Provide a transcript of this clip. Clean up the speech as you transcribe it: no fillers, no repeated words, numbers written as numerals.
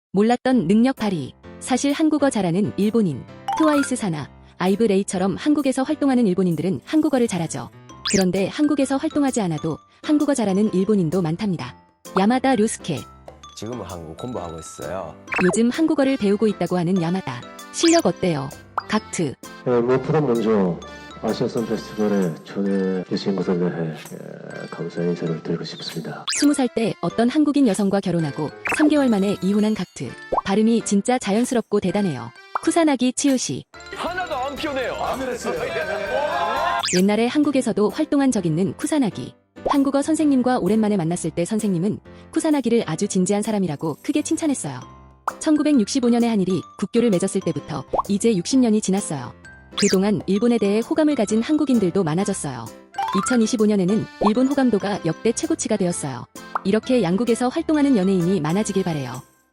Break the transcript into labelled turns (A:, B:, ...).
A: 몰랐던 능력 발휘. 사실 한국어 잘하는 일본인. 트와이스 사나, 아이브 레이처럼 한국에서 활동하는 일본인들은 한국어를 잘하죠. 그런데 한국에서 활동하지 않아도 한국어 잘하는 일본인도 많답니다. 야마다 류스케.
B: 지금은 한국 공부하고 있어요.
A: 요즘 한국어를 배우고 있다고 하는 야마다. 실력 어때요? 각트.
C: 무엇보다 먼저 아시아선 페스티벌에 초대해 주신 것에 대해 감사의 인사를 드리고 싶습니다.
A: 20살 때 어떤 한국인 여성과 결혼하고 3개월 만에 이혼한 각트. 발음이 진짜 자연스럽고 대단해요. 쿠사나기 치우시.
B: 하나도 안 피곤해요.
A: 옛날에 한국에서도 활동한 적 있는 쿠사나기. 한국어 선생님과 오랜만에 만났을 때 선생님은 쿠사나기를 아주 진지한 사람이라고 크게 칭찬했어요. 1965년에 한일이 국교를 맺었을 때부터 이제 60년이 지났어요. 그동안 일본에 대해 호감을 가진 한국인들도 많아졌어요. 2025년에는 일본 호감도가 역대 최고치가 되었어요. 이렇게 양국에서 활동하는 연예인이 많아지길 바래요.